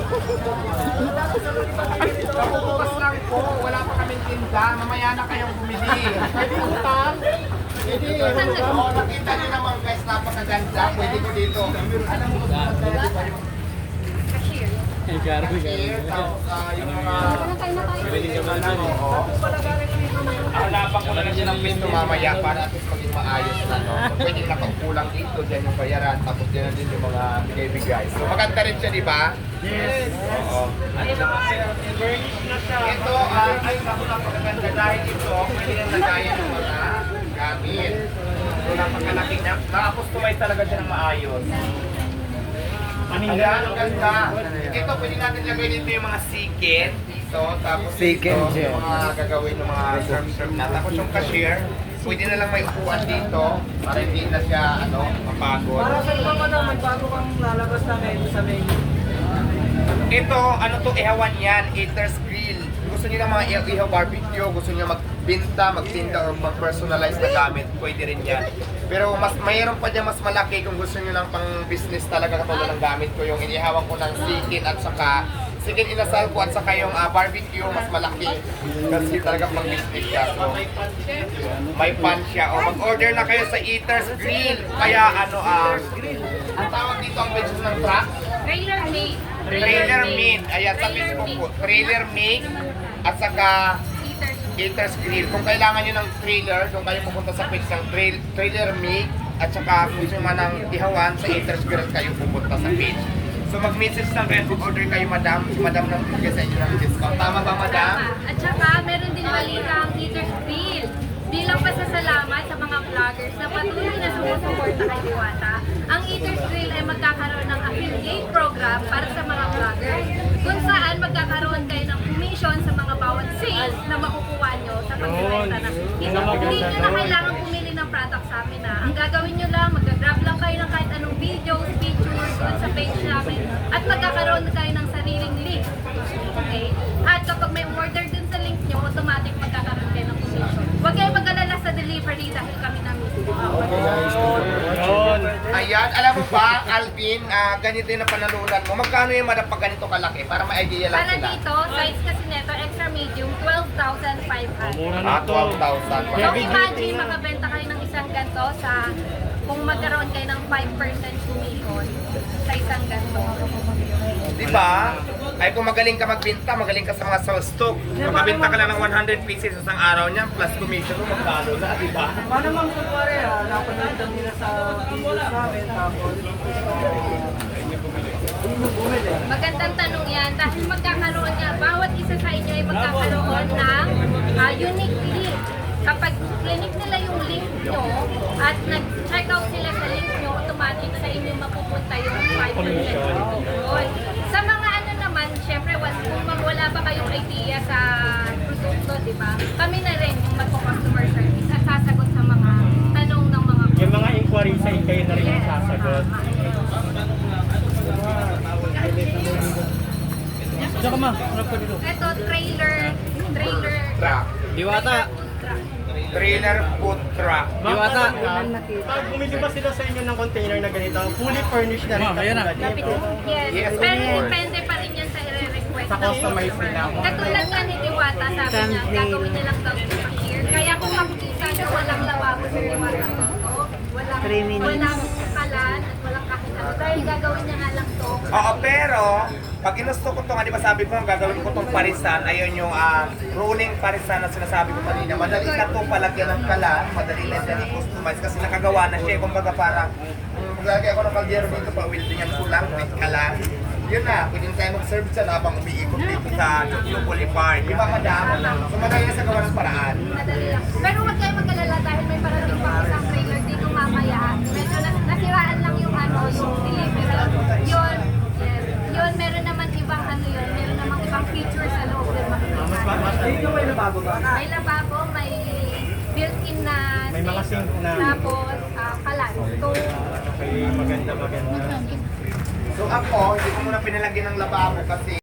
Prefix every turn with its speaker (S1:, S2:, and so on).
S1: Kapupukas lang po, wala pa kaming tinda. Mamaya na kayong bumili. Pwede utang. Pwede. Oo, nakita niyo naman guys, napakaganda. Pwede ko dito. Alam mo kung maganda ba yung
S2: Cashier.
S1: cashier, tapos yung mga... Hanapan ko na lang siya ng pinto mamaya para at least maging maayos na, no? So, pwede nakapagkulang dito, dyan yung bayaran, tapos dyan din yung mga binibigay. So, maganda rin siya, di ba? Yes! Oo. Ito, ay, napakaganda dahil ito, pwede nang lagayan ng mga gamit. So, napakalaki niya. Naka-customize talaga siya ng maayos. Ayan, ang ganda. Ito, pwede natin lagay dito yung mga siket. Dito, tapos dito, yung mga gagawin ng mga serve na. Tapos yung cashier, pwede na lang may upuan dito para hindi na siya, mapagod.
S3: Para sa iba pa naman, bago kang lalabas na menu sa menu.
S1: Ito, ihawan yan, Eater's Grill. Gusto niyo ng mga ihaw barbecue, gusto niyo magbinta, magtinda, or mag-personalize na gamit, pwede rin yan. Pero mayroon pa dyan mas malaki kung gusto niyo ng pang-business talaga katulad ng gamit ko, yung inihawan ko ng sikin at saka sikin inasal ko at saka yung barbecue, mas malaki. Kasi talaga pang-business siya. So, may pan siya. O, mag-order na kayo sa Eater's Grill. Kaya ang tawag dito ang page ng truck?
S2: Trailer made.
S1: Trailer Meat. Ayan, sa Facebook po. Trailer Meat at saka Eater's Grill. Kung kailangan nyo ng trailer, doon kayo pupunta sa page ng Trailer Meat at saka kung gusto man ng ihawan sa Eater's Grill kayo pupunta sa page. So mag-message lang kayo, mag-order kayo, madam. Si madam lang bigay sa inyo ng discount. Tama ba, madam?
S2: Tama. At saka meron din balita ang Eater's Grill. Bilang pasasalamat sa mga vloggers na patuloy na sumusuporta kay Diwata, ang Eater's Grill ay magkakaroon ng affiliate program para sa mga vloggers kung saan magkakaroon kayo ng commission sa mga bawat sales na makukuha nyo sa pagbibenta na. Hindi nyo na kailangan pumili ng product sa amin na. Ang gagawin nyo lang, mag-grab lang kayo ng kahit anong videos, pictures doon sa page namin at magkakaroon kayo ng sariling link. Okay? At kapag may order dun sa link nyo, automatic magkakaroon kayo ng commission. Huwag kayo mag-alala sa delivery dahil kami na mismo.
S1: Ayan, alam mo ba, Alvin, ganito yung napanalunan mo. Magkano yung madam pag ganito kalaki? Para may idea lang
S2: Para
S1: sila.
S2: dito, size kasi neto, extra medium, 12,500.
S1: 12,000.
S2: So imagine, makabenta kayo ng isang ganito sa, kung magkaroon kayo ng 5% commission sa isang ganito.
S1: Di ba? Ay kung magaling ka magbenta, magaling ka sa mga sales stock. Makabenta ka lang ng 100 pieces sa isang araw niya, plus commission mo magkano na, di ba?
S3: Paano mang kumpare napanood lang nila sa videos namin, tapos
S2: Magandang tanong yan dahil magkakaroon nga, bawat isa sa inyo ay magkakaroon ng unique link. Kapag clinic nila yung link nyo at nag-check out sila sa link nyo, automatic sa inyo mapupunta yung 5% commission. Sa mga naman, syempre, kung wala pa kayong idea sa produkto, di ba? Kami na rin yung magpo-customer service at sasagot sa mga tanong ng mga
S4: yung mga inquiries ay kayo na rin yung sasagot. Diyan ka ma, harap ka dito.
S2: Ito, trailer
S1: Truck.
S4: Diwata.
S1: Trailer food truck.
S4: Diwata. Pag bumili ba sila sa inyo ng container na ganito, fully furnished na rin katulad nito?
S2: Yes, pero depende pa rin yan sa i-request
S4: Sa customize nila.
S2: Katulad nga ni Diwata, sabi niya, gagawin niya lang daw sa cashier. Kaya kung makikita niyo, walang lababo sa Diwata dito. Walang kalan at walang kahit ano. Dahil gagawin niya nga lang to.
S1: Oo, pero pag inusto ko ito nga, di ba sabi ko, gagawin ko itong parisan, ayun yung rolling parisan na sinasabi ko kanina. Madali na ito palagyan ng kalan, madali na siya i-customize kasi nakagawa na siya. Kumbaga parang, maglagay ako ng kaldero dito, pa-weldingan ko lang with kalan. Yun na, pwede tayo mag-serve siya habang umiikot dito sa Jokyo Boulevard. Di ba, madam? So madali na sa gawa ng paraan.
S2: Madali lang. Pero huwag kayo mag-alala dahil may parating pa isang trailer dito mamaya. Medyo nasiraan lang yung yung delivery. Yun, meron naman ibang meron namang ibang features sa loob ng makikita.
S3: dito may lababo ba?
S2: May lababo, may built-in na
S4: May mga sink na.
S2: tapos kalan. So,
S4: Okay, maganda.
S1: So ako, hindi ko muna pinalagyan ng lababo kasi